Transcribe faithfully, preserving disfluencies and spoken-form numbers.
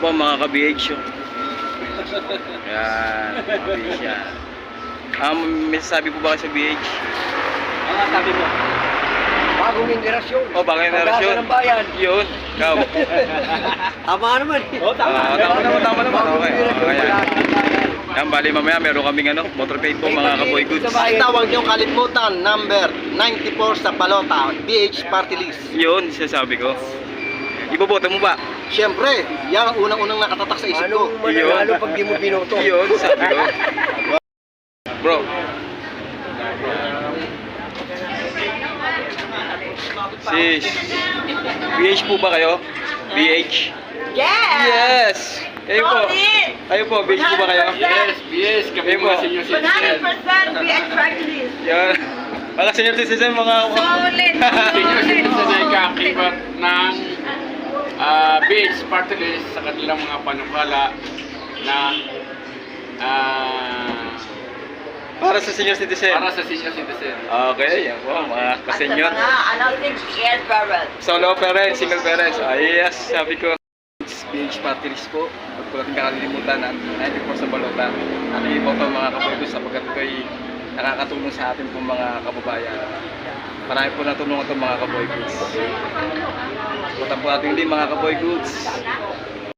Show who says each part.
Speaker 1: po mga ka-B H. Yan, mga B H yan. Um, may sasabi po ba kayo sa B H?
Speaker 2: Ang sabi mo, bagong generasyon.
Speaker 1: Oh, bagong generasyon.
Speaker 2: Pag-asa ng bayan.
Speaker 1: Yun, ikaw.
Speaker 2: Tama naman.
Speaker 3: Oh, tama.
Speaker 1: Ah, tama naman, tama naman.
Speaker 2: Bagong
Speaker 1: Okay,
Speaker 2: generasyon,
Speaker 1: okay.
Speaker 2: pag-asa ng bayan.
Speaker 1: Yan, bali mamaya meron kaming ano, motorcade po mga ka-boy goods.
Speaker 4: Itawag niyong kalimutan, number ninety-four sa Balota, B H Party List.
Speaker 1: Yun, sinasabi ko. Iboboto mo ba?
Speaker 4: Siyempre, yan ang unang-unang nakatatak sa isip ko.
Speaker 2: Anong mananalo pag di mo binoto?
Speaker 1: Yun, sabi ko. Bro. Sis, B H po ba kayo? B H?
Speaker 5: Yes!
Speaker 1: Yes! Kayo po. Kayo po, B H po ba kayo?
Speaker 3: Yes, yes, kami
Speaker 1: Kayo po.
Speaker 3: mga senior
Speaker 5: one hundred
Speaker 3: citizen.
Speaker 5: percent B H practice.
Speaker 1: Yan. Mga senior citizen, mga...
Speaker 5: Solid.
Speaker 3: Senior
Speaker 5: Solid.
Speaker 3: citizen ay kakibat ng ah, B H Party List sa kanilang mga panukala na ah,
Speaker 1: Para sa senior citizen.
Speaker 3: para sa senior citizen.
Speaker 1: Okay, yan po, mga
Speaker 5: At sa
Speaker 1: ka-senior.
Speaker 5: mga announcing care parents.
Speaker 1: Solo parents, single parents. Ah, yes, sabi ko. B H Party List po. Huwag po natin kakalimutan na ninety-four sa Balota. At i-voto mga kaboy sapagkat ito ay nakakatulong sa atin po mga kababayan. Marami po natulungan itong mga kaboy goods. Butan po natin hindi mga kaboy goods.